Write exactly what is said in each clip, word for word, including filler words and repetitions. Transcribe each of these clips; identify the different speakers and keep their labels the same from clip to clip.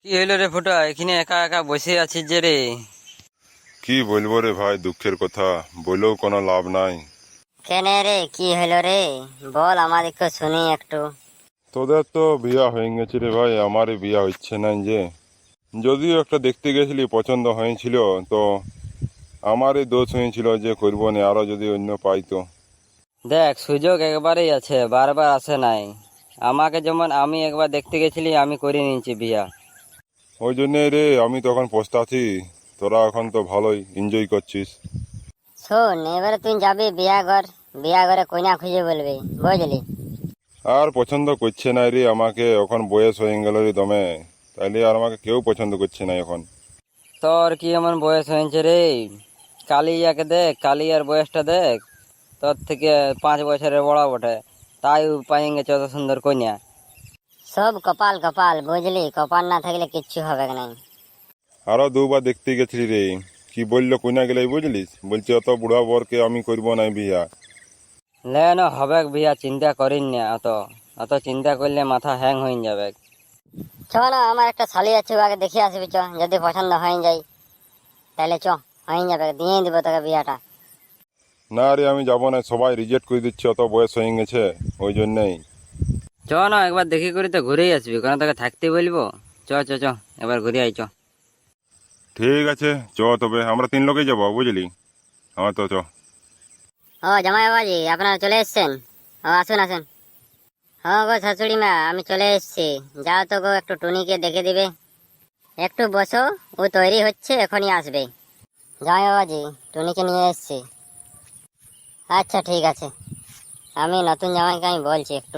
Speaker 1: কি হইলো রে ফুটা, এখানে একা একা বসে আছিস যে রে?
Speaker 2: কি বলবো রে ভাই, দুঃখের কথা বলেও কোনো লাভ নাই।
Speaker 3: কেন রে, কি হলো রে? বল, আমাদেরকে শুনি একটু।
Speaker 2: তোদের তো বিয়া হয়ে গেছে রে ভাই, আমারই বিয়া হচ্ছে না যে। যদিও একটা দেখতে গেছিলি, পছন্দ হয়েছিল, তো আমারই দোষ হয়েছিল যে করবো না, আরো যদি অন্য পাই তো।
Speaker 1: দেখ, সুযোগ একবারই আছে, বারবার আসে নাই। আমাকে যেমন আমি একবার দেখতে গেছিলি, আমি করে নিয়েছি বিয়া।
Speaker 2: ওই জন্যে রে আমি তখন পস্তাছি। তোরা এখন তো ভালোই এনজয় করছিস।
Speaker 3: শোন, এবারে তুই যাবি বিয়া ঘর, বিয়া ঘরে কইনা খুঁজে বলবি, বুঝলি?
Speaker 2: আর পছন্দ করছে না রে আমাকে, এখন বয়স হয়ে গেল রে দমে। তাইলে আর আমাকে কেউ পছন্দ করছে না এখন।
Speaker 1: তোর কি এমন বয়স হয়েছে রে? কালিয়াকে দেখ, কালিয়ার বয়সটা দেখ, তোর থেকে পাঁচ বছরের বড় বটে, তাই পাই গেছে অত সুন্দর কন্যা।
Speaker 3: সব কপাল কপাল, বুঝলি? কপাল না থাকলে কিচ্ছু হবে না।
Speaker 2: আরো দুবার দেখতে গেছিলি রে, কি বললো কইনা গেলে বুঝলিস? বলছে অত বুড়া বরকে আমি করব না বিয়া।
Speaker 1: লেন হবে বিয়া, চিন্তা করিন না অত। অত চিন্তা করলে মাথা হ্যাং হয়ে যাবে।
Speaker 3: চ না, আমার একটা শালি আছে, আগে দেখে আসবি চ। যদি পছন্দ হয়ে যায় তাহলে চ, হয়ে যাবে, দিয়ে দিব তোকে বিয়াটা।
Speaker 2: না রে আমি যাবো না, সবাই রিজেক্ট করে দিচ্ছে, অত বয়স হয়ে গেছে ওই জন্যেই।
Speaker 1: চ না, একবার দেখি করে তো ঘুরেই আসবি, কারণ তোকে থাকতে বলবো। চ চ চ, এবার ঘুরে আই চ।
Speaker 2: ঠিক আছে চ, তবে আমরা তিন লোকেই যাবো বুঝলি। আমার তো চ।
Speaker 3: ও জামাই বাবাজি, আপনারা চলে এসছেন? ও আসুন আসুন। হ্যাঁ গো শাশুড়ি মা, আমি চলে এসেছি। যাও তো গো, একটু টুনিকে দেখে দিবে। একটু বসো, ও তৈরি হচ্ছে, এখনই আসবে। জামাই বাবাজি, টুনিকে নিয়ে এসেছি। আচ্ছা ঠিক আছে, আমি নতুন জামাইকে আমি বলছি একটু।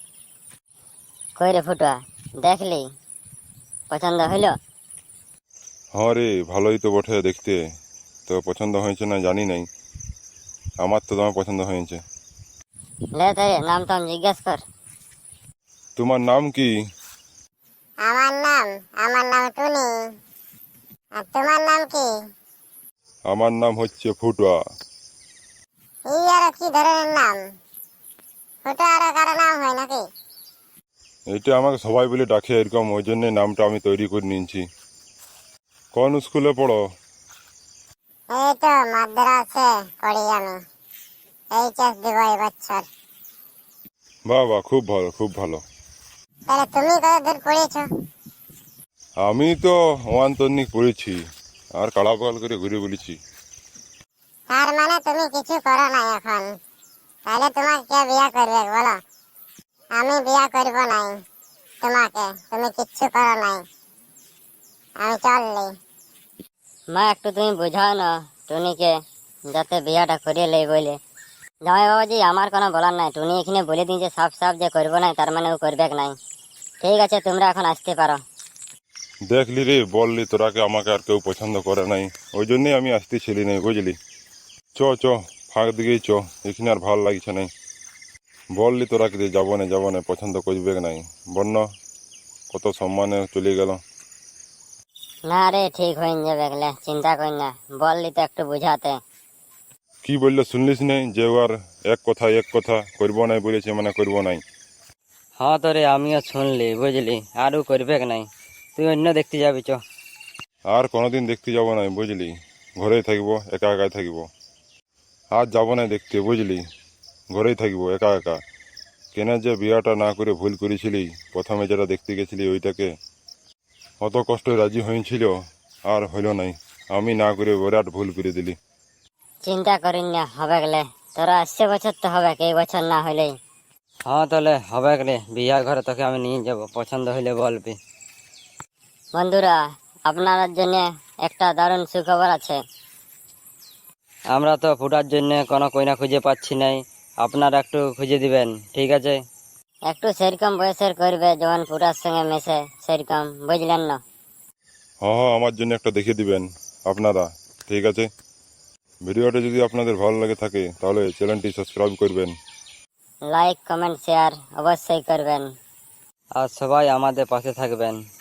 Speaker 3: কই রে ফুটুয়া, দেখলি? পছন্দ হইলো?
Speaker 2: হ্যাঁ রে, ভালোই তো বটে দেখতে। তো পছন্দ হয়েছে না জানি নাই, আমার তো তোমার পছন্দ হয়েছে।
Speaker 3: লে তাই নাম টাম জিজ্ঞেস কর।
Speaker 2: তোমার নাম কি?
Speaker 4: আমার নাম আমার নাম টুনি। আর তোমার নাম কি?
Speaker 2: আমার নাম হচ্ছে ফুটুয়া।
Speaker 4: এই আর কি ধরনের নাম? ফুটো আর কারো নাম হয় নাকি?
Speaker 2: এটা আমাকে সবাই বলে ডাকে এরকম, ওই জন্য নামটা আমি তৈরি করে নিয়েছি। কোন স্কুলে পড়ো?
Speaker 4: এই তো মাদ্রাসে পড়ি আমি, এইচএস দিব এই বছর।
Speaker 2: বাহ বাহ, খুব ভালো খুব ভালো।
Speaker 4: তাহলে তুমি কত দূর পড়েছো?
Speaker 2: আমি তো ওয়ান তন্নিক পড়েছি, আর কাড়া পাল করে ঘুরে বলেছি।
Speaker 4: তার মানে তুমি কিছু করো না এখন? তাহলে তোমাকে কে বিয়া করবে বলো? আমি বিয়া করব নাই তোমাকে, তুমি কিচ্ছু করো নাই, আমি চললি।
Speaker 3: মা, একটু তুমি বোঝাও না টুনিকে, যাতে বিয়াটা করিয়ে লেই বলে। জামাই বাবাজি, আমার কোনো বলার নাই। টুনি এখানে বলে দিয়েছে সাফ সাফ যে করবো নাই, তার মানে ও করবে নাই। ঠিক আছে, তোমরা এখন আসতে পারো।
Speaker 2: দেখলি রে, বললি তোরাকে আমাকে আর কেউ পছন্দ করে নাই, ওই জন্যই আমি আসতেছিলি নাই বুঝলি। চ চ, ফাঁক দিকেই চ, এখানে আর ভাল লাগছে নাই। বললি তোরাকে যে যাবো না যাবো না, পছন্দ করবে নাই, বন্য কত সম্মানে চলে গেল।
Speaker 3: না রে, ঠিক হয়ে যাবে, এগুলা চিন্তা কর না। বললি তো একটু বুঝাতে।
Speaker 2: কি বললো শুনলিস নাই যে ও আর এক কথা এক কথা করবো নাই বলেছে, মানে করবো নাই।
Speaker 1: হ্যাঁ তো রে, আমিও শুনলি বুঝলি, আরও করবে নাই। তুই অন্য দেখতে যাবি চ।
Speaker 2: আর কোনোদিন দেখতে যাবো না বুঝলি, ঘরেই থাকবো, একা একাই থাকবো। আর যাবো না দেখতে বুঝলি, ঘরেই থাকবো একা একা। কেন যে বিয়াটা না করে ভুল করেছিলি, প্রথমে যেটা দেখতে গেছিলি ওইটাকে, অত কষ্ট রাজি হয়েছিল, আর হইল নাই। আমি না করে বিরাট ভুল করে দিলি।
Speaker 3: চিন্তা করিস না, হবে গেলে। তোরা আসছে বছর তো হবে, এই বছর না হইলেই।
Speaker 1: হ্যাঁ তাহলে হবে রে, বিয়ার ঘরে তোকে আমি নিয়ে যাব, পছন্দ হইলে বলবি।
Speaker 3: বন্ধুরা, আপনার জন্য একটা দারুণ সুখবর আছে।
Speaker 1: আমরা তো ফুটার জন্য কোনো কইনা খুঁজে পাচ্ছি নাই, আপনারা একটু খুঁজে দিবেন, ঠিক আছে?
Speaker 3: একটু সেরকম বয়সের করবে, যেমন পুরার সঙ্গে মেশে, সেরকম, বুঝলেন না?
Speaker 2: হ্যাঁ হ্যাঁ, আমার জন্য একটা দেখে দিবেন আপনারা, ঠিক আছে? ভিডিওটা যদি আপনাদের ভালো লাগে থাকে তাহলে চ্যানেলটি সাবস্ক্রাইব করবেন।
Speaker 3: লাইক কমেন্ট শেয়ার অবশ্যই করবেন।
Speaker 1: আর সবাই আমাদের পাশে থাকবেন।